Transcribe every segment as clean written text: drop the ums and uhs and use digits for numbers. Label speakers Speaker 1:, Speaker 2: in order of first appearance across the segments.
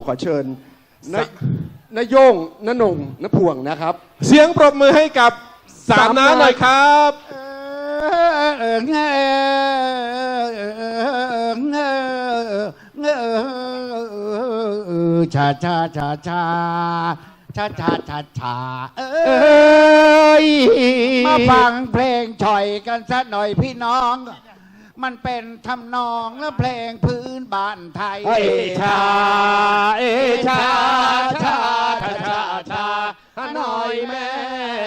Speaker 1: ขอเชิญนายโยงนนงนพวงนะครับ
Speaker 2: เสียงปรบมือให้กับสามน้าหน่อยครับ
Speaker 3: ชาชาชาชาชาชาชาชามาฟังเพลงฉ่อยกันสักหน่อยพี่น้อง มันเป็นทำนองและเพลงพื้นบ้านไทย
Speaker 2: เอชาเอชาชาชาชาชาหน่อยแม่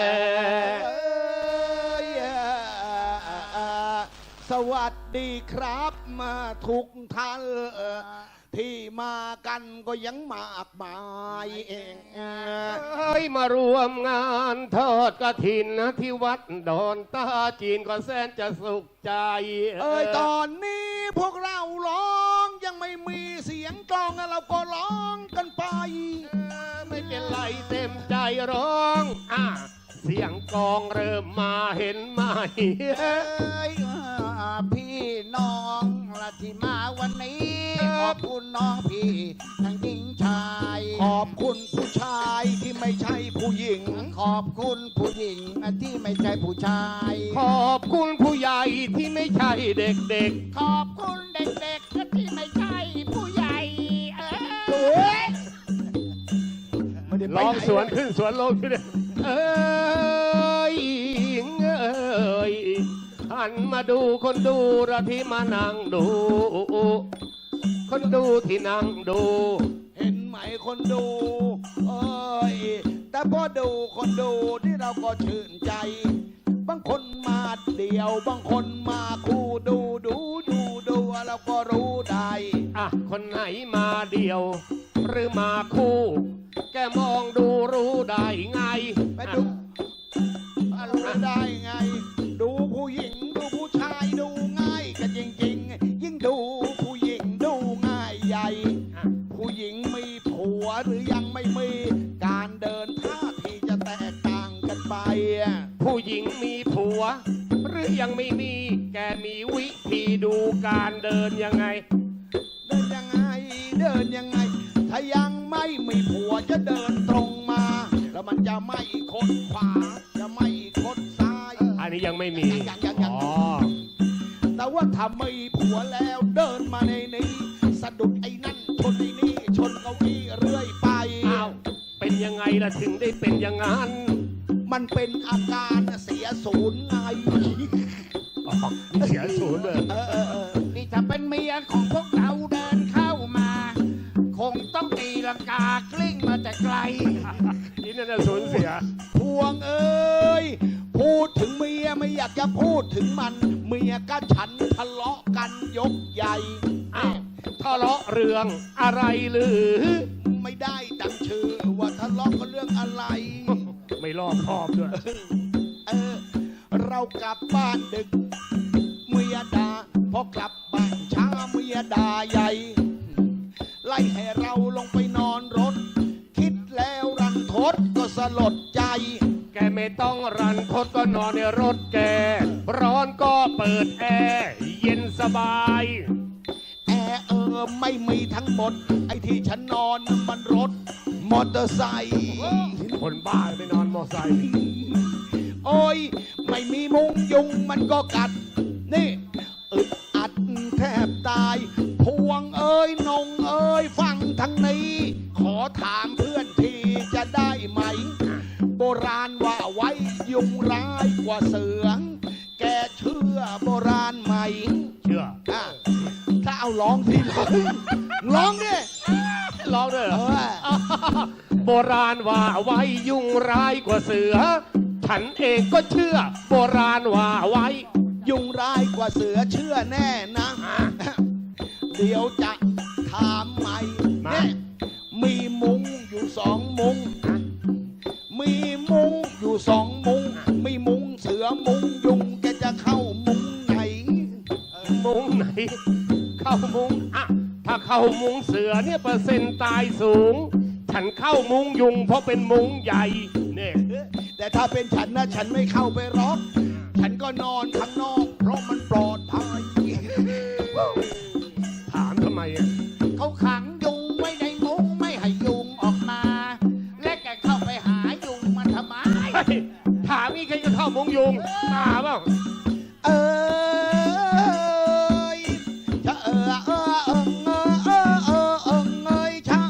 Speaker 3: สวัสดีครับมาทุกท่านที่มากันก็ยังมากมายเอง
Speaker 2: มารวมงานทอดกฐินที่วัดดอนตาจีนก็แสนจะสุขใจ
Speaker 3: ตอนนี้พวกเราร้องยังไม่มีเสียงกลองเราก็ร้องกันไป
Speaker 2: ไม่เป็นไรเต็มใจร้องเสียงกลองเริ่มมาเห็นไหม
Speaker 3: พี่น้องละที่มาวันนี้ขอบคุณน้องพี่ทั้งหญิงชายขอบคุณผู้ชายที่ไม่ใช่ผู้หญิงขอบคุณผู้หญิงที่ไม่ใช่ผู้ชาย
Speaker 2: ขอบคุณผู้ใหญ่ที่ไม่ใช่เด็ก
Speaker 3: ๆขอบคุณเด็กๆที่ไม่ใช่ผู้ใหญ่
Speaker 2: ร้องสวนขึ้นสวนลงขึ้นหันมาดูคนดูระที่มานั่งดูคนดูที่นั่งดู
Speaker 3: เห็นไหมคนดูแต่พอดูคนดูที่เราก็ชื่นใจบางคนมาเดี่ยวบางคนมาคู่ดูเราก็รู้ได้
Speaker 2: คนไหนมาเดี่ยวหรือมาคู่แกมองดูรู้ได้ไง
Speaker 3: ไปดูรู้ได้ไงดูผู้หญิงดูผู้ชายดูง่ายกันจริงๆยิ่งดูผู้หญิงดูง่ายใหญ่ผู้หญิงมีผัวหรือยังไม่มีการเดินท่าทีจะแตกต่างกันไป
Speaker 2: ผู้หญิงมีผัวหรือยังไม่มีแกมีวิธีดูการเดินยังไง
Speaker 3: ถ้ายังไม่มีผัวจะเดินตรงมาแล้วมันจะไม่คดขวาจะไม่คดซ้าย
Speaker 2: อันนี้ยังไม่มี
Speaker 3: แต่ว่าถ้ามีผัวแล้วเดินมาในนี้สะดุดไอ้นั่นชนไอ้นี่ชนเก้าอี้เรื่อยไป
Speaker 2: เป็นยังไงล่ะถึงได้เป็นอย่างนั้น
Speaker 3: มันเป็นอาการเสียศูนย์ไง
Speaker 2: เสียศูนย์เลย
Speaker 3: นี่ถ้าเป็นเมียของพวกเราเดินเข้ามาคงต้องตีลังกากลิ้งมาแต่ไกล
Speaker 2: นี่น่าจะสูญเสีย
Speaker 3: พวงพูดถึงเมียไม่อยากจะพูดถึงมันเมียกับฉันทะเลาะกันยกใหญ่
Speaker 2: ทะเลาะเรื่องอะไรหรือ
Speaker 3: ไม่ได้ดังชื่อว่าทะเลาะกันเรื่องอะไร
Speaker 2: ไม่รอบคอบด้วย
Speaker 3: เรากลับบ้านดึกเมียด่าพอกลับบ้านช้าเมียด่าใหญ่ไล่ให้เราลงไปนอนรถคิดแล้วรันทดก็สลดใจ
Speaker 2: แกไม่ต้องรันทดก็นอนในรถแกร้อนก็เปิดแอร์เย็นสบาย
Speaker 3: แอร์ไม่มีทั้งหมดไอ้ที่ฉันนอนมันรถมอเตอร์ไซค์
Speaker 2: คนบ้าไปนอนมอเตอร์ไซค์
Speaker 3: โอ้ยไม่มีมุงยุงมันก็กัดนี่อึดอัดแทบตายพวงนงฟังทั้งนี้ขอถามเพื่อนทีจะได้ไหมโบราณว่าไว้ยุงร้ายกว่าเสือแกเชื่อโบราณไหม
Speaker 2: เชื่อ
Speaker 3: ถ้าเอาร้องทีเลยร้องดิ
Speaker 2: ร้องด้วยเหรอโบราณว่าไว้ยุงร้ายกว่าเสือฉันเองก็เชื่อโบราณว่าไว้
Speaker 3: ยุงร้ายกว่าเสือเชื่อแน่นะเดี๋ยวจะถามใหม่เนี่ยมีมุ้งอยู่2 มุ้งมีมุ้งอยู่2 มุ้งมีมุ้งเสือมุ้งยุงแกจะเข้ามุ้งไหน
Speaker 2: มุ้งไหนเข้ามุ้งถ้าเข้ามุ้งเสือเนี่ยเปอร์เซ็นต์ตายสูงฉันเข้ามุ้งยุงเพราะเป็นมุ้งใหญ่เนี่ย
Speaker 3: แต่ถ้าเป็นฉันนะฉันไม่เข้าไปหรอกฉันก็นอนข้างนอกเพราะมันปลอดภัย
Speaker 2: ถามทำไม
Speaker 3: เขาขังยุงไว้ในมุ้งไม่
Speaker 2: ยุงตาเปล่า
Speaker 3: เอ้ยชะเอ้ยชะ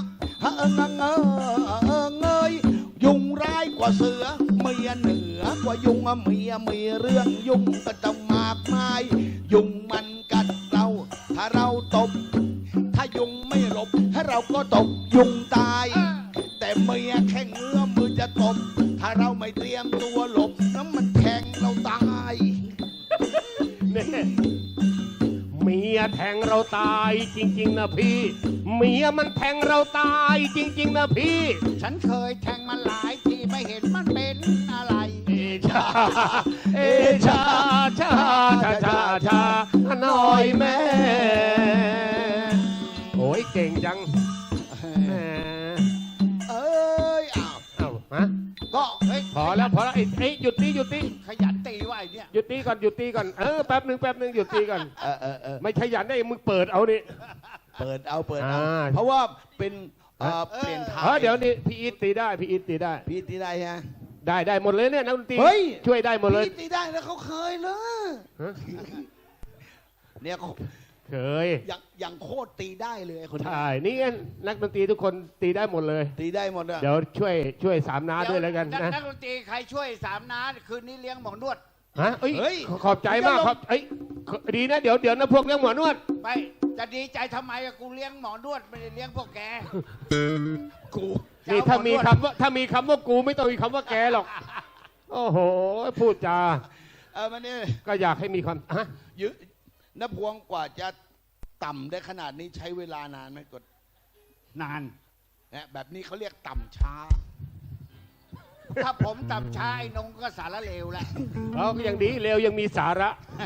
Speaker 3: เอ้ยยุงร้ายกว่าเสือเมียเหนือกว่ายุงเมียมีเรื่องยุงก็จะมากมายยุงมันกัดเราถ้าเราตบถ้ายุงไม่หลบให้เราก็ตบยุงตายแต่เมียแค่เงื้อมือจะตบถ้าเราไม่เตรียมตัวหลบน้ำมันแทงเราตาย
Speaker 2: เนี่ยเมียแทงเราตายจริงๆนะพี่เมียมันแทงเราตายจริงๆนะพี่
Speaker 4: ฉันเคยแทงมันหลายทีไม่เห็นมันเป็นอะไร
Speaker 2: เอชาเอชาชาชาชาชาหน่อยแม่โอ้ยเก่งจังแหม
Speaker 3: เอ้ยอ้าว
Speaker 2: เอ้าฮะ
Speaker 3: ก็เฮ้ย
Speaker 2: พอแล้วไอ้หยุดตี
Speaker 4: ขยันตีว่าไอ้เนี่ย
Speaker 2: หยุดตีก่อนแป๊บหนึ่งหยุดตีก่อน ไม่ขยันได้มึงเปิดเอานี่
Speaker 3: เปิดเอา
Speaker 2: อ่า
Speaker 3: เพราะว่าเป็นเปลี่ยนทาง
Speaker 2: เดี๋ยวนี้พี่อีทตีได้พี่อีทตีได้
Speaker 3: พี่ตีได้ฮะ
Speaker 2: ได้หมดเลยเนี่ยนักดนตรี
Speaker 3: เฮ้ย
Speaker 2: ช่วยได้หมดเลย
Speaker 3: พี่ตีได้แล้วเขาเคยเลย
Speaker 2: ฮะ
Speaker 3: เนี่ย
Speaker 2: เคย
Speaker 3: อย่างโคตรตีได้เลยคนนี้
Speaker 2: ใช่นี่ไงนักดนตรีทุกคนตีได้หมดเลย
Speaker 3: ตีได้หมดอะ
Speaker 2: เดี๋ยวช่วยสามน้าด้วยแล้วกันนะ
Speaker 4: นักดนตรีใครช่วยสามน้าคืนนี้เลี้ยงหมอนวด
Speaker 2: ฮะเอ้ยขอบใจมากครับดีนะเดี๋ยวนะพวกเลี้ยงหมอนวด
Speaker 4: ไปจะดีใจทำไมอะกูเลี้ยงหมอนวดไม่ได้เลี้ยงพวกแก
Speaker 3: กู
Speaker 2: นี่ถ้ามีคำว่ากูไม่ต้องมีคำว่าแกหรอกโอ้โหพูดจา
Speaker 3: มันนี่
Speaker 2: ก็อยากให้มีความฮะ
Speaker 3: ยืนพวงกว่าจะต่ำได้ขนาดนี้ใช้เวลานานไหมกด
Speaker 4: นาน
Speaker 3: เนี่ยแบบนี้เขาเรียกต่ำช้า
Speaker 4: ถ้าผมตับช้าไอ้นงก็สารเลวแหละ
Speaker 2: เราก็ยังดีเร็วยังมีสาระ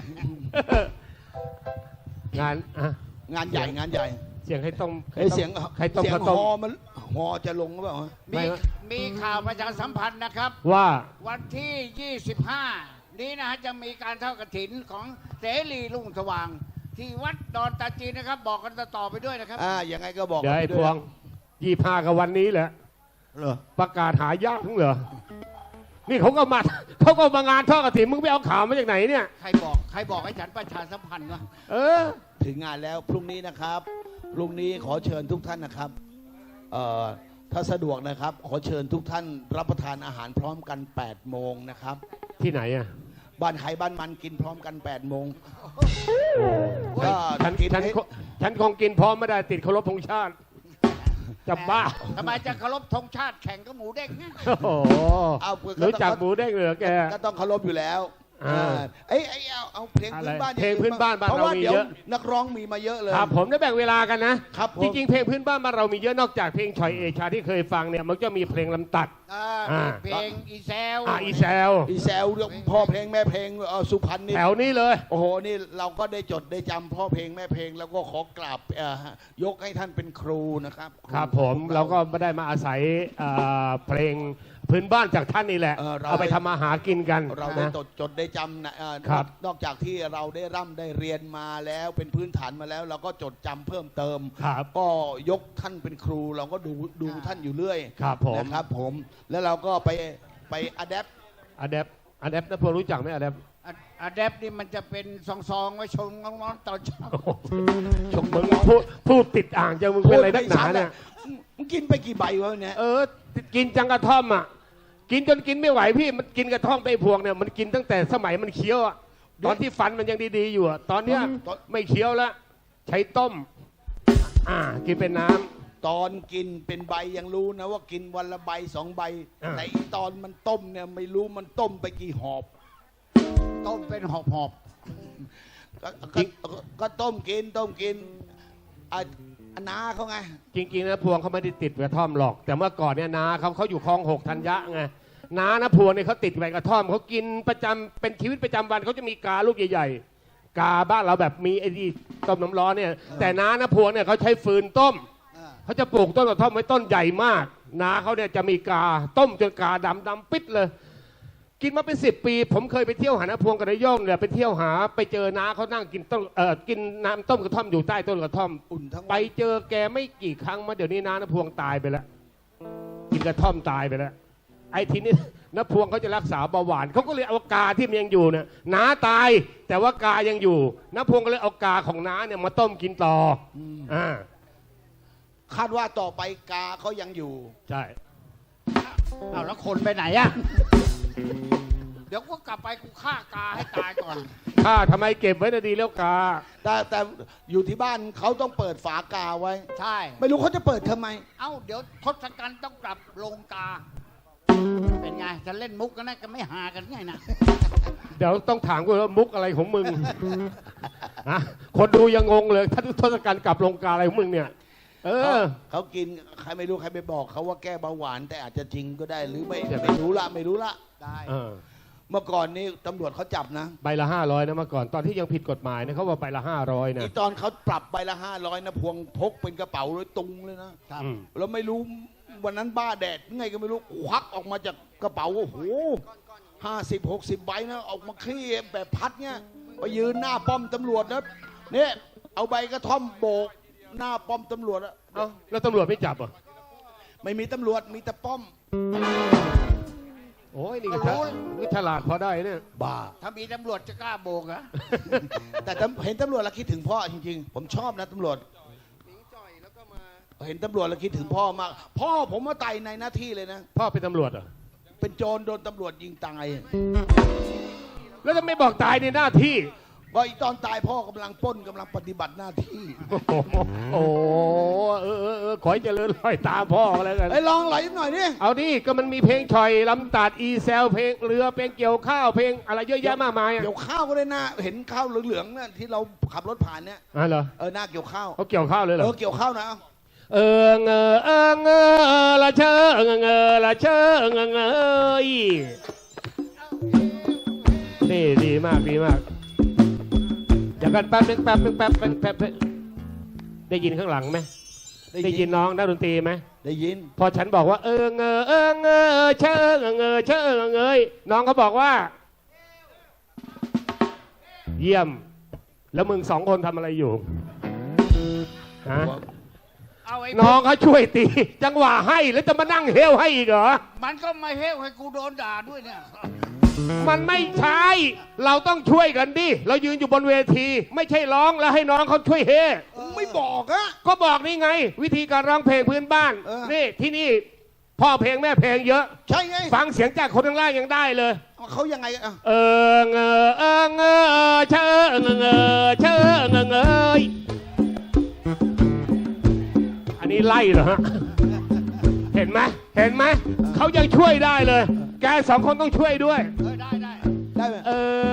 Speaker 2: งานอ่ะ
Speaker 3: งานใหญ่งานใหญ่
Speaker 2: เสียงให้ต้ม
Speaker 3: เสียง
Speaker 2: ใครต้ม
Speaker 3: เสียง
Speaker 2: ข้าว
Speaker 3: ฮ
Speaker 2: ต้ม
Speaker 3: อมันฮอจะลงหรือเปล่า
Speaker 4: มีมีข่าวประชาสัมพันธ์นะครับ
Speaker 2: ว่า
Speaker 4: วันที่ 25 นี้นะฮะจะมีการทอดกฐินของเสรีรุ่งสว่าง ที่วัดดอนตาจีนนะครับ บอกกันต่อไปด้วยนะครับ
Speaker 3: ยังไงก็บอก
Speaker 2: เดี๋ยวไอ้
Speaker 3: กัน
Speaker 2: พ
Speaker 3: ด้
Speaker 2: ว
Speaker 3: ย
Speaker 2: ง25กับวันนี้แหละ
Speaker 3: เหรอ
Speaker 2: ประกาศหายากทั้งเหรอนี่เขาก็มางานทอดกฐินมึงไปเอาข่าวมาจากไหนเนี่ย
Speaker 4: ใครบอกให้ฉันประชาสัมพันธ์วะ
Speaker 2: เออ
Speaker 3: ถึงงานแล้วพรุ่งนี้นะครับพรุ่งนี้ขอเชิญทุกท่านนะครับถ้าสะดวกนะครับ ขอเชิญทุกท่านรับประทานอาหารพร้อมกัน8โมงนะครับ
Speaker 2: ที่ไหนอ่ะ
Speaker 3: บ้านใครบ้านมันกินพร้อมกัน8โมง
Speaker 2: ก็
Speaker 3: ก็กินให้
Speaker 2: ฉันคงกินพร้อมไม่ได้ติดเคารพธงชาติจะบ้า
Speaker 4: ทำไมจะเคารพธงชาติแข่งกับหมูเด้งนะ
Speaker 2: โอ้โห
Speaker 3: เอา
Speaker 2: รู้จักหมูเด้งเหรอแก
Speaker 3: ก็ต้องเคารพอยู่แล้ว
Speaker 2: อ่า
Speaker 3: เอาเพลงพื้นบ้าน
Speaker 2: อะไรเพลงพื้นบ้านบ้าน
Speaker 3: เพราะว่า
Speaker 2: เรามี
Speaker 3: เดี๋ยว
Speaker 2: เยอะ
Speaker 3: นักร้องมีมาเยอะเลย
Speaker 2: ครับผมได้แบ่งเวลากันนะครับ
Speaker 3: ผม
Speaker 2: จริงๆเพลงพื้นบ้านบ้านเรามีเยอะนอกจากเพลงชอยเอชาที่เคยฟังเนี่ยมันก็มีเพลงลำตัด
Speaker 4: มีเพลงอีแซว
Speaker 2: อีแซว
Speaker 3: อีแซวเรื่องพ่อเพลงแม่เพลงสุพรรณนี่
Speaker 2: แถวนี้เลย
Speaker 3: โอ้โหนี่เราก็ได้จดได้จำพ่อเพลงแม่เพลงแล้วก็ขอกราบยกให้ท่านเป็นครูนะครับ
Speaker 2: ครับผมเราก็ไม่ได้มาอาศัยเพลงพื้นบ้านจากท่านนี่แหละ เอาไปทำมาหากินกัน
Speaker 3: เราได้
Speaker 2: นะ
Speaker 3: จดได้จำนะ
Speaker 2: ครับ
Speaker 3: นอกจากที่เราได้ร่ำได้เรียนมาแล้วเป็นพื้นฐานมาแล้ว เราก็จดจำเพิ่มเติม
Speaker 2: ครับ
Speaker 3: ก็ยกท่านเป็นครู เราก็ดูท่านอยู่เรื่อย
Speaker 2: ครับผม
Speaker 3: นะครับผมแล้วเราก็ไปอะแดป
Speaker 2: อเดปนะพวกรู้จักไหมอเดป
Speaker 4: อะแดปนี่มันจะเป็นซองๆไว้ชมน้องๆตอนเช้า
Speaker 3: ชม
Speaker 2: มึง
Speaker 3: น้อง
Speaker 2: พูดติดอ่างจังมึงเป็นอะไรนักหนาเนี่ย
Speaker 3: มึงกินไปกี่ใบวะเนี่ย
Speaker 2: กินจังกระท่อมอ่ะกินจนกินไม่ไหวพี่มันกินกระท่อมไปพวงเนี่ยมันกินตั้งแต่สมัยมันเคี้ยวอ่ะตอนที่ฟันมันยังดีๆอยู่อ่ะตอนเนี้ยไม่เคี้ยวแล้วใช้ต้มกินเป็นน้ำ
Speaker 3: ตอนกินเป็นใบยังรู้นะว่ากินวันละใบ2 ใบ แต่อีตอนมันต้มเนี่ยไม่รู้มันต้มไปกี่หอบ
Speaker 4: ต้มเป็นหอบ
Speaker 3: ก็ต้มกินน้าเขาไง
Speaker 2: จริงๆนะพวงเขาไม่ได้ติดกระท่อมหรอก แต่เมื่อก่อนเนี่ยนาเขาอยู่คลอง6ธัญญะไงนานะพวงเนี่ยเขาติดใบกระท่อมเขากินประจำเป็นชีวิตประจำวันเขาจะมีกาลูกใหญ่ๆกาบ้านเราแบบมีไอ้ที่ต้มน้ำร้อนเนี่ยแต่นานะพวงเนี่ยเขาใช้ฟืนต้มเขาจะปลูกต้นกระท่อมไว้ต้นใหญ่มากนาเขาเนี่ยจะมีกาต้มจนกาดำปิดเลยกินมาเป็น10 ปี ผมเคยไปเที่ยวหาน้าพวงกับนายโย่งเนี่ยไปเที่ยวหาไปเจอน้าเขานั่งกินต้นกินน้ำต้มกระท่อมอยู่ใต้ต้นกระท่อม
Speaker 3: อุ่นทั้ง
Speaker 2: ไปเจอแกไม่กี่ครั้งมาเดี๋ยวนี้น้าพวงตายไปแล้วกินกระท่อมตายไปแล้วไอ้ทีนี้น้าพวงเขาจะรักษาเบาหวานเขาก็เลยเอากาที่มันยังอยู่เนี่ยน้าตายแต่ว่ากายังอยู่น้าพวงก็เลยเอากาของน้าเนี่ยมาต้มกินต่ออ่า
Speaker 3: คาดว่าต่อไปกาเขายังอยู่
Speaker 2: ใช่
Speaker 4: เอาแล้วคนไปไหนอะเดี๋ยวก็กลับไปกูฆ่ากาให้ตายก่อน
Speaker 2: ข้าทำไมเก็บไว้นะดีแล้วกา
Speaker 3: แต่อยู่ที่บ้านเขาต้องเปิดฝากาไว้
Speaker 4: ใช่
Speaker 3: ไม่รู้เขาจะเปิดทำไม
Speaker 4: เอ้าเดี๋ยวทศกัณฐ์ต้องกลับลงกา เป็นไงจะเล่นมุกกันนะก็ไม่หากันไงนะ
Speaker 2: เดี๋ยวต้องถามกูว่ามุกอะไรของมึง ฮะคนดูยังงงเลยถ้าทศกัณฐ์กลับลงกาอะไรของมึงเนี่ย เออ
Speaker 3: เขากินใครไม่รู้ใครไปบอกเขาว่าแก้เบาหวานแต่อาจจะจริงก็ได้หรือไม่
Speaker 2: ใช่ไหม
Speaker 3: ไม่รู้ละไม่รู้ละ
Speaker 4: ได้
Speaker 2: เออ
Speaker 3: เมื่อก่อนนี้ตำรวจเขาจับนะ
Speaker 2: ใบละ500นะเมื่อก่อนตอนที่ยังผิดกฎหมายนะเขาว่าใบละ500นะ
Speaker 3: อีตอนเขาปรับใบละ500นะพวงพกเป็นกระเป๋าเลยตุงเลยนะ
Speaker 2: อืม
Speaker 3: เราไม่รู้วันนั้นบ้าแดดไงก็ไม่รู้ควักออกมาจากกระเป๋าโอ้โห50-60 ใบนะออกมาคลี่แบบพัดเนี่ยไปยืนหน้าป้อมตำรวจนะเนี่ยเอาใบกระท่อมโบกหน้าป้อมตำรวจอะ
Speaker 2: เอ้าแล้วตำรวจไม่จับเหรอ่ะ
Speaker 3: ไม่มีตำรวจมีแต่ป้อม
Speaker 2: โอ้ยนี่ก็นี่ฉลาดพอได้เนี่ย
Speaker 3: บ้า
Speaker 4: ถ้ามีตำรวจจะกล้าโบกเหรอ
Speaker 3: แต่เห็นตำรวจแล้วคิดถึงพ่อจริงๆ ผมชอบนะตำรวจเห็นตำรวจแล้วคิดถึงพ่อมาก พ่อผมมาไต่ในหน้าที่เลยนะ
Speaker 2: พ่อเป็นตำรวจเหรอ
Speaker 3: เป็นโจรโดนตำรวจยิงตาย
Speaker 2: แล้วจะไม่บอกตายในหน้าที่
Speaker 3: ว่าอีตอนตายพ่อกำลังปล้นกำลังปฏิบัติหน้าที่
Speaker 2: โอ้โหขอให้เจริญรอยตามพ่อกันแล้วกัน
Speaker 3: ไอ้ยลองไหลหน่อยดิ
Speaker 2: เอาดิก็มันมีเพลงชอยลำตัดอีแซลเพลงเรือเพลงเกี่ยวข้าวเพลงอะไรเยอะแยะมากมายอ่ะ
Speaker 3: เกี่ยวข้าวก็ได้นะเห็นข้าวเหลืองๆเนี่ยที่เราขับรถผ่านเนี่ย
Speaker 2: เหรอ
Speaker 3: หน้าเกี่ยวข้าว
Speaker 2: เขาเกี่ยวข้าวเลยเหรอ
Speaker 3: เกี่ยวข้าวนะ
Speaker 2: ละเชละเชยนี่ดีมากดีมากเดี๋ยวกันแป๊บนึงแป๊บได้ยินข้างหลังไหมได้ยินน้องนักดนตรีไหม
Speaker 3: ได้ยิน
Speaker 2: พอฉันบอกว่าเชยน้องเขาบอกว่า เยี่ยม แล้วมึง2 คนทำอะไรอยู่ฮะ
Speaker 4: เอาไอ้
Speaker 2: น้องเขาช่วยตี จังหวะให้แล้วจะมานั่งเฮลให้อีกเหรอ
Speaker 4: มันก็มาเฮ้วให้กูโดนด่าด้วยเนี่ย
Speaker 2: มันไม่ใช่ เราต้องช่วยกันดิ เรายืนอยู่บนเวที ไม่ใช่ร้องแล้วให้น้องเขาช่วยเฮ
Speaker 3: ไม่บอกอะ
Speaker 2: ก็บอกนี่ไง วิธีการร้องเพลงพื้นบ้าน นี่ที่นี่พ่อเพลงแม่เพลงเยอะ
Speaker 3: ใช่ไง
Speaker 2: ฟังเสียงจากคนข้างล่างยังได้เลย
Speaker 3: เขายังไงอะ
Speaker 2: เชิงอันนี้ไล่เหรอฮะ เห็นไหมเขายังช่วยได้เลย แก2 คนต้องช่วยด้วย
Speaker 4: ได้
Speaker 3: ได้ไหม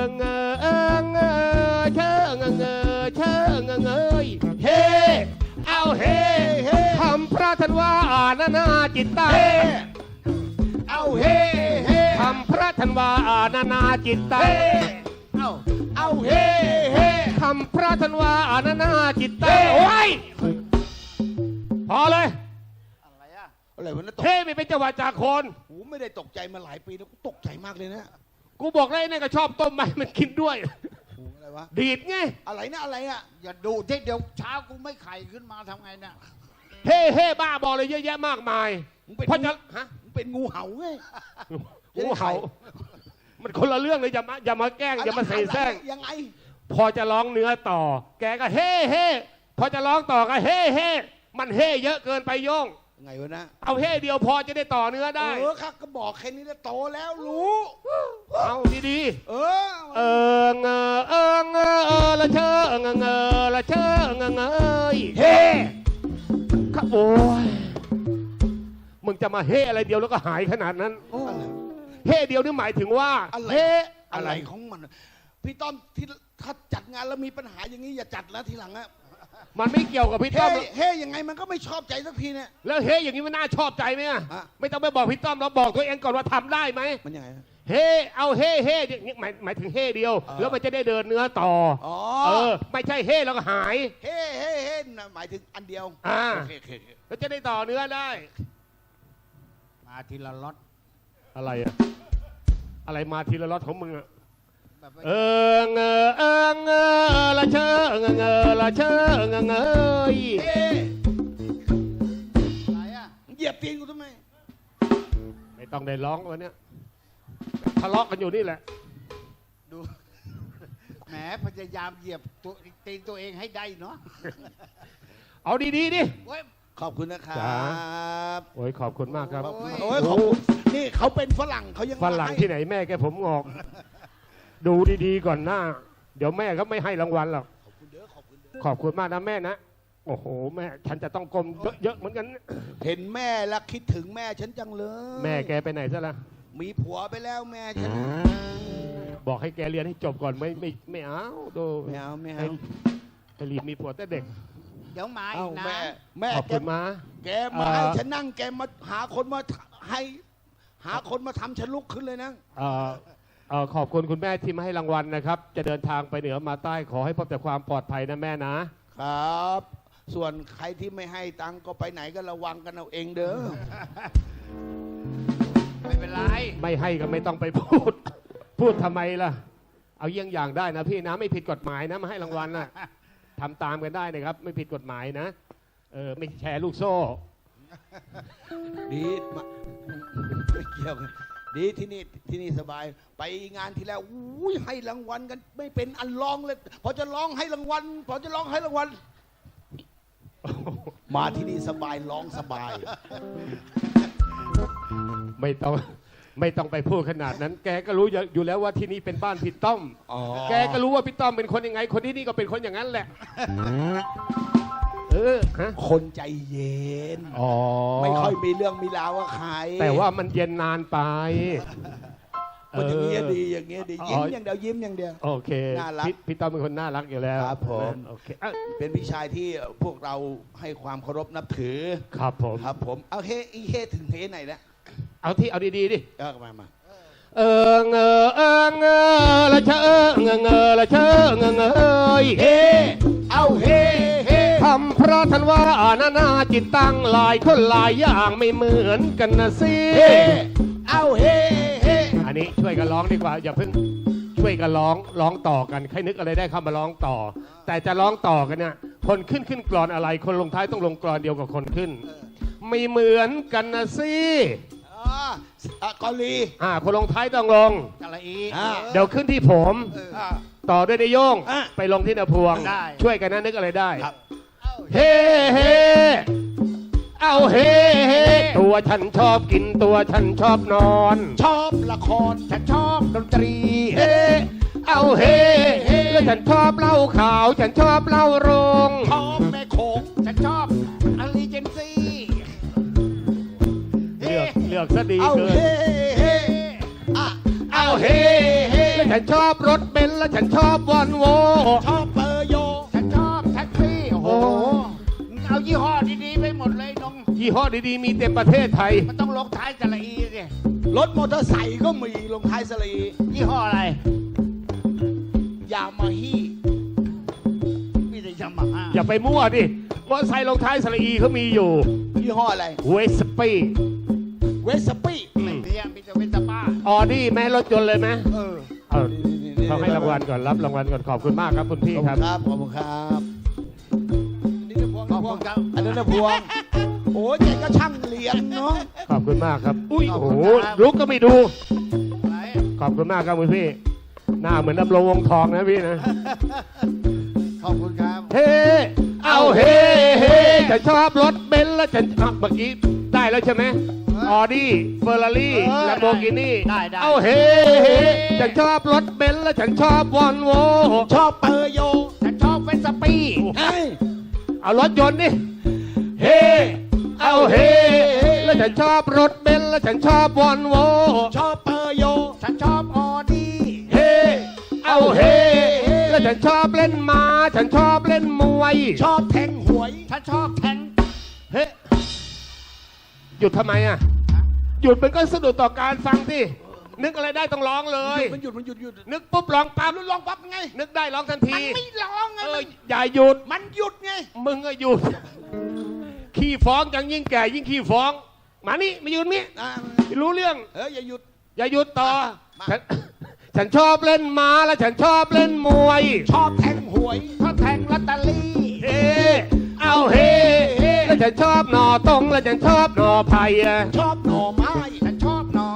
Speaker 2: เชิงเฮเอาเฮคำพระท่านว่านานาจิตตา
Speaker 3: เอาเฮ้เฮ้
Speaker 2: คำพระท่านว่านานาจิตตา
Speaker 3: เอาเฮ้เฮ้
Speaker 2: คำพระท่านว่านานาจิตตาโอ้ยพอเลย
Speaker 4: อะไรอะ
Speaker 3: อะไรวะนะตก
Speaker 2: เท่ไม่เป็นจังหวะจากคน
Speaker 3: หูไม่ได้ตกใจมาหลายปีแล้วกูตกใจมากเลยนะ
Speaker 2: กูบอกเลยเนี่ยก็ชอบต้มใบมันกินด้วย
Speaker 3: หูอะไรวะ
Speaker 2: ดีดไง
Speaker 3: อะไรนะอะไรอะ
Speaker 4: อย่าดูที่เดี๋ยวเช้ากูไม่ไข่ขึ้นมาทำไงเนี่ย
Speaker 2: เฮ่บ้าบอเลยเยอะแยะมากมาย
Speaker 3: มึงเป็น
Speaker 2: เพราะจะฮะ
Speaker 3: มึงเป็นงูเห่าไง
Speaker 2: งูเห่ามันคนละเรื่องเลยอย่ามาแกล้งอย่ามาเสแสร้ง
Speaker 3: ยังไง
Speaker 2: พอจะร้องเนื้อต่อ แกก็เฮ่พอจะร้องต่อก็เฮ่มันเฮ่เยอะเกินไปโย่ง
Speaker 3: ยังไงวะนะ
Speaker 2: เอาเฮ่เดียวพอจะได้ต่อเนื้อได้
Speaker 3: ครับก็บอกแค่นี้แล้วโตแล้วรู้
Speaker 2: เอาดี
Speaker 3: เออ
Speaker 2: ละเชิงละเชิงเฮ่ ครับโอ้ยมึงจะมาเฮ่อะไรเดียวแล้วก็หายขนาดนั้น
Speaker 3: อะไร
Speaker 2: เฮ่เดียวนี่หมายถึงว่า
Speaker 3: อะไร
Speaker 2: เฮ่
Speaker 3: อะไรของมัน พี่ต้อมที่ถ้าจัดงานแล้วมีปัญหาอย่างนี้อย่าจัดแล้วทีหลังอะ
Speaker 2: มันไม่เกี่ยวกับพี่ต้อมหรอก
Speaker 3: เฮ้ยังไงมันก็ไม่ชอบใจสักทีเนี่ย
Speaker 2: แล้วเฮ่อย่างนี้มันน่าชอบใจไหมอะ
Speaker 3: อ่ะ
Speaker 2: ไม่ต้องไปบอกพี่ต้อมเราบอกตัวเองก่อนว่าทำได้ไหม
Speaker 3: มันยังไง
Speaker 2: เฮ่เอาเฮ่อย่างนี้หมายถึงเฮ่เดียว แล้วมันจะได้เดินเนื้อต่อ
Speaker 3: อ๋อ
Speaker 2: ไม่ใช่เฮ่แล้วก็หาย
Speaker 3: เฮ้น่ะหมายถึงอันเดียว
Speaker 2: อ่า
Speaker 3: โอเค
Speaker 2: แล้วจะได้ต่อเนื้อได้
Speaker 4: มาทีละล็อต
Speaker 2: อะไรอะอะไรมาทีละล็อตของมึงอะ
Speaker 4: แบบว่า
Speaker 2: ละเชิงละเชิง
Speaker 3: เฮ้
Speaker 4: อะไรอะ
Speaker 3: เหยียบตีนกูทำไม
Speaker 2: ไม่ต้องได้ร้องวันเนี้ยทะเลาะกันอยู่นี่แหละ
Speaker 4: ดูแหมพยายามเหยียบตัวตีนตัวเองให้ได้เนาะ
Speaker 2: เอาดีๆดิ
Speaker 4: เว้ย
Speaker 3: ขอบคุณนะครั
Speaker 2: จ๋า
Speaker 3: บ
Speaker 2: โอ้ยขอบคุณมากครับ
Speaker 4: โอ้ย
Speaker 3: โอ้ยขอบคุณนี่เขาเป็นฝรั่งเขายัง
Speaker 2: ฝรั่ง
Speaker 3: ให้
Speaker 2: ที่ไหนแม่แกผมงอก ดูดีๆก่อนหน้า เดี๋ยวแม่ก็ไม่ให้รางวัลหรอก ขอบคุณมากนะแม่นะ โอ้โหแม่ฉันจะต้องกลมเยอะๆเหมือนกัน
Speaker 3: เห็นแม่แล้วคิดถึงแม่ฉันจังเลย
Speaker 2: แม่แกไปไหนซะละ
Speaker 3: มีผัวไปแล้วแม่ฉัน
Speaker 2: บอกให้แกเรียนให้จบก่อนไม่เอาดู
Speaker 3: ไม่เอาไม่
Speaker 2: ให้
Speaker 3: เอา
Speaker 2: ให้รีบมีผัวแต่เด็ก
Speaker 4: เดี๋ยวมาอี
Speaker 3: เอ้าก
Speaker 4: นะ
Speaker 3: แม่
Speaker 2: ขอบ
Speaker 3: แก
Speaker 2: คุณมา
Speaker 3: แกมาให้ฉันนั่งแกมาหาคนมาให้หาคนมาทำฉันลุกขึ้นเลยนะ
Speaker 2: ขอบคุณคุณแม่ที่มาให้รางวัลนะครับ จะเดินทางไปเหนือมาใต้ขอให้พบแต่ความปลอดภัยนะแม่นะ
Speaker 3: ครับ ส่วนใครที่ไม่ให้ตังค์ก็ไปไหนก็ระวังกันเอาเองเด้อ
Speaker 4: ไม่เป็นไร
Speaker 2: ไม่ให้ก็ไม่ต้องไปพูด พูดทำไมล่ะ เอาเยี่ยงอย่างได้นะพี่นะไม่ผิดกฎหมายนะมาให้รางวัลนะทำตามกันได้นะครับ ไม่ผิดกฎหมายนะไม่แชร์ลูกโซ่
Speaker 3: ดีมาไม่เกี่ยวกันดีที่นี่สบาย ไปงานที่แล้วอุ้ยให้รางวัลกันไม่เป็นอันร้องเลย พอจะร้องให้รางวัล มาที่นี่สบายร้องสบาย
Speaker 2: ไม่ต้องไปพูดขนาดนั้น แกก็รู้อยู่แล้วว่าที่นี่เป็นบ้านพี่ต้อม
Speaker 3: อ๋อ
Speaker 2: แกก็รู้ว่าพี่ต้อมเป็นคนยังไง คนที่นี่ก็เป็นคนอย่างนั้นแหละฮะ
Speaker 3: คนใจเย็น
Speaker 2: อ๋อ
Speaker 3: ไม่ค่อยมีเรื่องมีราวกับใคร
Speaker 2: แต่ว่ามันเย็นนานไป
Speaker 3: มันอย่างเงี้ยดีอย่างเงี้ยดียิ้ม
Speaker 2: อ๋อ
Speaker 3: อย่างเดียวยิ้มอย่างเดียว
Speaker 2: โอเค
Speaker 3: น่ารัก
Speaker 2: พี่ต้อมเป็นคนน่ารักอยู่แล้ว
Speaker 3: ครับผม
Speaker 2: โอเค
Speaker 3: เป็นพี่ชายที่พวกเราให้ความเคารพนับถือ
Speaker 2: ครับผม
Speaker 3: ครับผมเอาเฮอีเฮถึงเฮไหนแล้ว
Speaker 2: เอาดีๆดิ
Speaker 3: มา
Speaker 2: เงละเชละเชย
Speaker 3: เฮเอาเฮเฮ
Speaker 2: ทำเพราะท่านว่านานาจิตตั้งหลายคนหลายอย่างไม่เหมือนกันนะสิ
Speaker 3: เฮเอาเฮเฮ
Speaker 2: อันนี้ช่วยกันร้องดีกว่าอย่าเพิ่งช่วยกันร้องต่อกันใครนึกอะไรได้เข้ามาร้องต่อ แต่จะร้องต่อกันเนี่ยคนขึ้นกรอนอะไร คนลงท้ายต้องลงกรอนเดียวกับคนขึ้น ไม่เหมือนกันนะสิ
Speaker 3: เกาหลี
Speaker 2: คนลงท้ายต้องลง
Speaker 4: กะละอี
Speaker 2: เดี๋ยวขึ้นที่ผม
Speaker 3: อ่า
Speaker 2: ต่อด้วยนายโย่ง
Speaker 3: อ่ะ
Speaker 2: ไปลงที่นาพวง
Speaker 4: ได้
Speaker 2: ช่วยกันนะนึกอะไรได้
Speaker 3: ครับ
Speaker 2: เฮ้เฮ้เอาเฮ้เฮ้ตัวฉันชอบกินตัวฉันชอบนอน
Speaker 3: ชอบละครฉันชอบดนตรี
Speaker 2: เฮ้เอาเฮ้เฮ้แล้วฉันชอบเหล้าขาว ฉันชอบเหล้าโรง
Speaker 3: ชอบแม่โขง
Speaker 4: ฉันชอบอลีเจนซี่
Speaker 2: เลือกซะดี
Speaker 3: เอา
Speaker 2: เกิน
Speaker 3: เฮเฮอ่ะ
Speaker 2: เอาเฮ้เฮ้แล้วฉันชอบรถเบนซ์แล้วฉันชอบวอนโว
Speaker 3: ชอบเปอร์โย
Speaker 4: ฉันชอบแท็กซี่โอ้โหเอายี่ห้อดีๆไปหมดเลยน้อง
Speaker 2: ยี่ห้อดีๆมีเต็มประเทศไทย
Speaker 4: มันต้องลงท้ายกะละอีสิ
Speaker 3: รถมอเตอร์ไซค์ก็มีลงท้ายสลี
Speaker 4: ยี่ห้ออะไร
Speaker 3: ยามาฮ่
Speaker 4: มีแต่ยามาฮ่า
Speaker 2: อย่าไปมั่วดิมอเตอร์ไซค์ลงท้ายสระอีเขามีอยู่
Speaker 3: ยี่ห้ออะไร
Speaker 2: เวสปี
Speaker 3: เวสปี้
Speaker 4: ไม่มีมีแต่เวนตาบ้า
Speaker 2: ออดี้แม่รถยนต์เลยไหม
Speaker 3: เออ
Speaker 2: เอาเขาให้รางวัลก่อนรับรางวัลก่อนขอบคุณมากครับคุณพี่
Speaker 3: ขอบ
Speaker 2: ค
Speaker 3: คุ
Speaker 2: รับ
Speaker 3: ณครับขอบคุณครับนี่นะพวง
Speaker 4: ขอบคุณครับ
Speaker 3: อันนั้นนะพวงโอ้ยแกก็ช่างเรียนเนาะ
Speaker 2: ขอบคุณมากครับอุ้ย
Speaker 4: ขอบ
Speaker 2: โอ้
Speaker 4: คุณ
Speaker 2: โห
Speaker 4: ครับ
Speaker 2: ลุกก็ไม่ดู
Speaker 4: อะไร
Speaker 2: ขอบคุณมากครับคุณพี่ หน้าเหมือนดำรงวงทองนะพี่นะ
Speaker 4: ขอบคุณครับ
Speaker 2: เฮ้เอาเฮ้เฮ้ฉันชอบรถเบนซ์แล้วฉันเมื่อกี้ได้แล้วใช่ไหมออดี้เฟอร์รารี่แลมโบกินี่
Speaker 4: ได้
Speaker 2: เอาเฮ้เฮ้ฉันชอบรถเบนซ์แล้วฉันชอบวอนโว
Speaker 3: ชอบเปอร์โย
Speaker 4: ฉันชอบเวนสปี้
Speaker 3: เฮ้ย
Speaker 2: เอารถยนต์ดิเฮ้เอาเฮ้แล้วฉันชอบรถเบนซ์แล้วฉันชอบวอนโว
Speaker 3: ชอบเปอร์โย
Speaker 4: ฉันชอบออดี้
Speaker 2: เฮ้เอาเฮ้แล้วฉันชอบเล่นม้าฉันชอบเล่นมวย
Speaker 3: ชอบแทงหวย
Speaker 4: ฉันชอบแทง
Speaker 2: เฮ้หยุดทำไมอ่ะหยุดมันก็สะดุดต่อการฟังสินึกอะไรได้ต้องร้องเลย
Speaker 3: มันหยุด
Speaker 2: นึกปุ๊บร้องปั๊บ
Speaker 3: ร้องปั๊บไง
Speaker 2: นึกได้ร้องทัน
Speaker 3: มั
Speaker 2: ที
Speaker 3: นไม่ร้องไง
Speaker 2: อย่าหยุด
Speaker 3: มันหยุดไง
Speaker 2: มึงก็หยุดขี้ฟ้องจังยิ่งแก่ยิ่งขี้ฟ้อง มานี่มายืนนี่
Speaker 3: อ่า
Speaker 2: รู้เรื่อง
Speaker 3: อย่าหยุด
Speaker 2: อย่าหยุดต่อ
Speaker 3: มา
Speaker 2: ฉันชอบเล่นม้าแล้วฉันชอบเล่นมวย
Speaker 3: ชอบแทงหวย
Speaker 4: ชอบแทงลอตเตอรี่
Speaker 2: เฮ้เอาเฮ้แล้วฉันชอบหน่อตรงแล้วฉันชอบหน่อไผ่อะ
Speaker 3: ชอบหน่อไม้
Speaker 4: ฉันชอบหน่อ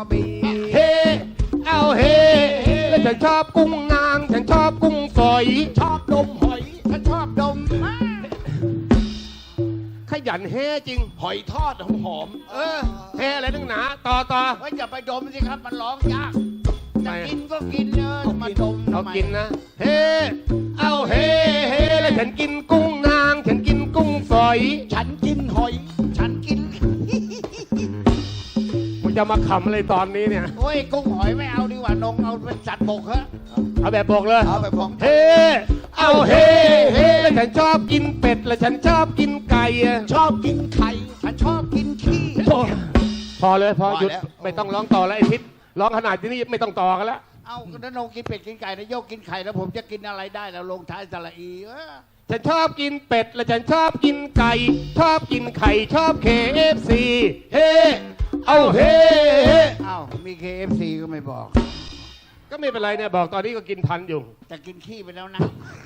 Speaker 2: เฮแล้วฉันชอบกุ้งนางฉันชอบกุ้งฝอย
Speaker 3: ชอบดมหอย
Speaker 4: ฉันชอบดมมาก
Speaker 2: ขยันเฮจริง
Speaker 3: หอยทอดหอม
Speaker 2: เฮอะไรนักหนาต่อ
Speaker 4: เฮ้ยอย่าไปดมสิครับมันร้องยาก
Speaker 2: ทำ
Speaker 4: จะ
Speaker 2: ไม
Speaker 4: กินก็กินมาดม
Speaker 2: เอา
Speaker 4: ทำไม
Speaker 2: กินนะ เฮเอาเฮแล้วฉันกินกุ้งนางฉันกินกุ้งฝอย
Speaker 3: ฉันกินหอย
Speaker 4: ฉันกิน
Speaker 2: มึงจะมาขำอะไรตอนนี้เนี่ย
Speaker 4: โอ้ยกุ้งหอยไม่เอาดีกว่านงเอาเป็นสัตว์บกฮะ
Speaker 2: เอาแบบบอกเลย
Speaker 3: เอาไปพร้อม
Speaker 2: เฮเอาเฮแล้วฉันชอบกินเป็ดแล้วฉันชอบกินไก่อะ
Speaker 3: ชอบกินไข่
Speaker 4: ฉันชอบกินขี้
Speaker 2: พอเลยพอ
Speaker 3: พอ
Speaker 2: หยุด
Speaker 3: แล้ว
Speaker 2: ไม่ต้องร้องต่อแล้วไอ้ทิศร้องขนาดนี้ไม่ต้องต่อกันแล้ว
Speaker 4: เอาถ้านงกินเป็ดกินไก่นะโยกกินไข่แล้วผมจะกินอะไรได้แล้วลงท้ายสระอี
Speaker 2: ฉันชอบกินเป็ดและฉันชอบกินไก่ ชอบกินไข่ชอบ KFC เฮเอาเฮ
Speaker 4: อ้าวมี KFC ก็ไม่บอก
Speaker 2: ก็ไม่เป็นไรเนี่ยบอกตอนนี้ก็กินทันอยู่
Speaker 4: จะกินขี้ไปแล้วนะ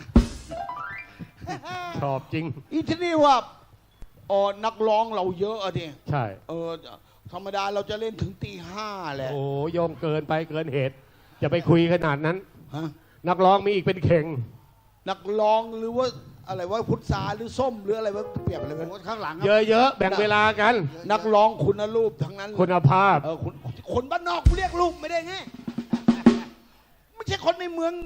Speaker 2: ชอบจริง
Speaker 3: อีที่นี่ว่านักร้องเราเยอะอะดิ
Speaker 2: ใช่
Speaker 3: ธรรมดาเราจะเล่นถึงตี 5แหละ
Speaker 2: โอ้โยงเกินไปเกินเหตุจะไปคุยขนาดนั้น
Speaker 3: ฮะ
Speaker 2: นักร้องมีอีกเป็นเข่ง
Speaker 3: นักร้องหรือว่าอะไรว่าพุทธาหรือส้มหรืออะไรว่าเปรียบอะไร
Speaker 4: โอ้
Speaker 3: กัน
Speaker 4: ข้างหลัง
Speaker 2: เยอะๆแบ่งเวลากัน
Speaker 3: นักร้องคุณรูปทั้งนั้น
Speaker 2: คุณภาพ
Speaker 3: คนบ้านนอกเรียกรูปไม่ได้ไงไม่ใช่คนในเมือง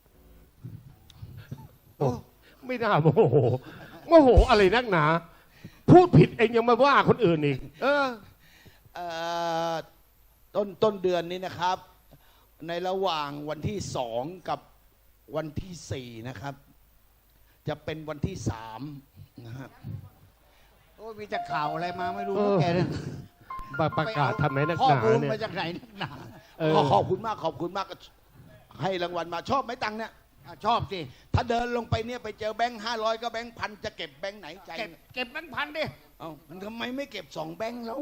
Speaker 2: โอ้ไม่น่าโมโหโมโหอะไรนักหนา พูดผิดเองยังมาว่าคนอื่นอีก
Speaker 3: ต้นเดือนนี้นะครับ ในระหว่างวันที่2กับวันที่4นะครับ จะเป็นวันที่3นะครับ
Speaker 4: โอ้ยมีแต่ข่าวอะไรมาไม่รู้
Speaker 2: เออ
Speaker 4: แกเนี่ย
Speaker 2: ประกาศทำไมนัก
Speaker 4: ข้อ
Speaker 2: หนา
Speaker 4: มูล
Speaker 2: เนี่ย
Speaker 4: มาจากไหนนักหนา
Speaker 3: ก็ขอบคุณมากขอบคุณมากให้รางวัลมาชอบไหมตังค์เนี่ย
Speaker 4: อ่ะชอบสิ
Speaker 3: ถ้าเดินลงไปเนี่ยไปเจอแบงค์500ก็แบงค์พันจะเก็บแบงค์ไหนใจ
Speaker 4: เก็บแบงค์พันดิ
Speaker 3: เอ้ามันทำไมไม่เก็บ2แบงค์แล้ว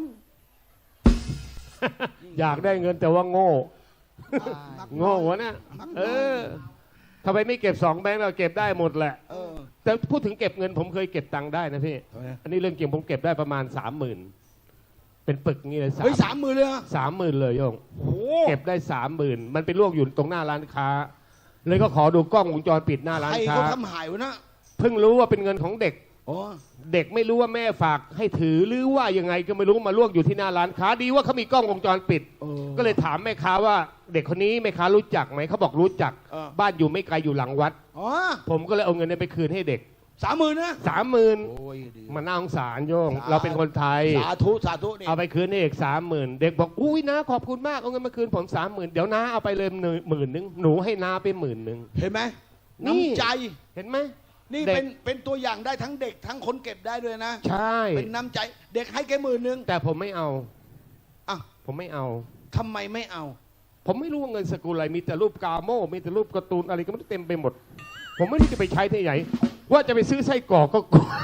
Speaker 2: อยากได้เงินแต่ว่าโง่ โง่วะเนี่ยทำไมไม่เก็บ2แบงค์เราเก็บได้หมดแหละ แต่พูดถึงเก็บเงินผมเคยเก็บตังค์ได้นะพี่
Speaker 3: ทำไม
Speaker 2: อันนี้เรื่องจริงผมเก็บได้ประมาณ 30,000 เป็นปึกงี้เลย
Speaker 3: เฮ้ย30,000เลยเหรอ
Speaker 2: 30,000เลยโยง
Speaker 3: โอ้โห
Speaker 2: เก็บได้ 30,000 มันเป็นลวกอยู่ตรงหน้าร้านค้า เลยก็ขอดูกล้องวงจรปิดหน้าร้าน
Speaker 3: ใคร
Speaker 2: ค้า
Speaker 3: เขาทำหายวะนะ
Speaker 2: เพิ่งรู้ว่าเป็นเงินของเด็ก
Speaker 3: อ๋อ
Speaker 2: เด็กไม่รู้ว่าแม่ฝากให้ถือหรือว่ายังไงก็ไม่รู้มาลวกอยู่ที่หน้าร้านค้าดีว่าเขามีกล้องวงจรปิด ก็เลยถามแม่ค้าว่าเด็กคนนี้แม่ค้ารู้จักไหมเขาบอกรู้จัก บ้านอยู่ไม่ไกลอยู่หลังวัด
Speaker 3: อ๋อ
Speaker 2: ผมก็เลยเอาเงินนี้ไปคืนให้เด็ก
Speaker 3: 30,000นะ
Speaker 2: 30,000
Speaker 3: โอ้ยดี
Speaker 2: มาน่าสงสารโยง เราเป็นคนไทย
Speaker 3: สาธุสาธุนี่
Speaker 2: เอาไปคืนให้เด็ก30,000 เด็กบอกอุ้ยนะขอบคุณมากเอาเงินมาคืนผม30,000 เดี๋ยวน้าเอาไปเลย10,000หนูให้น้าไป10,000
Speaker 3: เห็นไหม
Speaker 2: นี่
Speaker 3: น้ำใจ
Speaker 2: เห็นไหม
Speaker 3: นี่
Speaker 2: เด็ก
Speaker 3: เป็นตัวอย่างได้ทั้งเด็กทั้งคนเก็บได้ด้วยนะ
Speaker 2: ใช่
Speaker 3: เป็นน้ำใจ เด็กให้แค่10,000
Speaker 2: แต่ผมไม่เอา
Speaker 3: อ่ะ
Speaker 2: ผมไม่เอา
Speaker 3: ทำไมไม่เอา
Speaker 2: ผมไม่รู้ว่าเงินสกุลอะไรมีแต่รูปกาโม่มีแต่รูปการ์ตูนอะไรก็ไม่รู้เต็มไปหมด ผมไม่รู้จะไปใช้ที่ไหนว่าจะไปซื้อไส้กรอกก็กลัว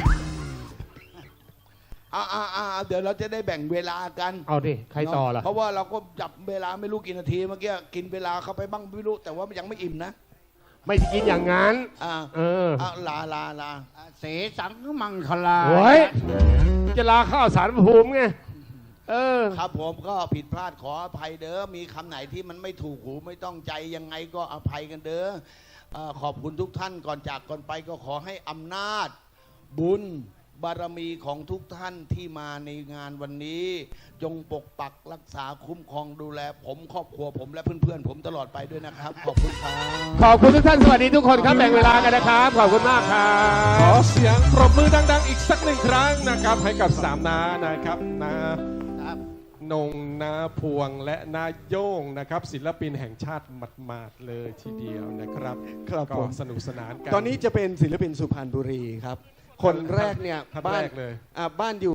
Speaker 3: เดี๋ยวเราจะได้แบ่งเวลากัน
Speaker 2: เอาดิใครต่อล่ะ
Speaker 3: เพราะว่าเราก็จับเวลาไม่รู้กี่นาทีเมื่อกี้กินเวลาเข้าไปบ้างไม่รู้แต่ว่ายังไม่อิ่มนะ
Speaker 2: ไม่ได้กินอย่างนั้น
Speaker 3: ลา
Speaker 4: เสสังมังคลา
Speaker 2: โอ้ยจะลาข้าวสารภูมิไง
Speaker 3: ครับผมก็ผิดพลาดขออภัยเด้อมีคำไหนที่มันไม่ถูกหูไม่ต้องใจยังไงก็อภัยกันเด้อขอบคุณทุกท่านก่อนจากก่อนไปก็ขอให้อำนาจบุญบารมีของทุกท่านที่มาในงานวันนี้ จงปกปักรักษาคุ้มครองดูแลผมครอบครัวผมและเพื่อนๆผมตลอดไปด้วยนะครับ ขอบคุณครับ
Speaker 2: ขอบคุณทุกท่านสวัสดีทุกคนครับแบ่งเวลากันนะครับขอบคุณมากครั
Speaker 5: ขอบ เสียงปรบมือดังๆอีกสักหนึ่งครั้งนะครับให้กับ3น้านะครับน้านงนาพวงและนาโย่งนะครับศิลปินแห่งชาติหมาดๆเลยทีเดียวนะครับ
Speaker 1: ครับ
Speaker 5: ก็
Speaker 1: ผม
Speaker 5: สนุกสนานกัน
Speaker 1: ตอนนี้จะเป็นศิลปินสุพรรณบุรีครับ คนแรกเนี่ย
Speaker 5: ท่าน
Speaker 1: บ้า
Speaker 5: แร
Speaker 1: น
Speaker 5: กเลย
Speaker 1: บ้านอยู่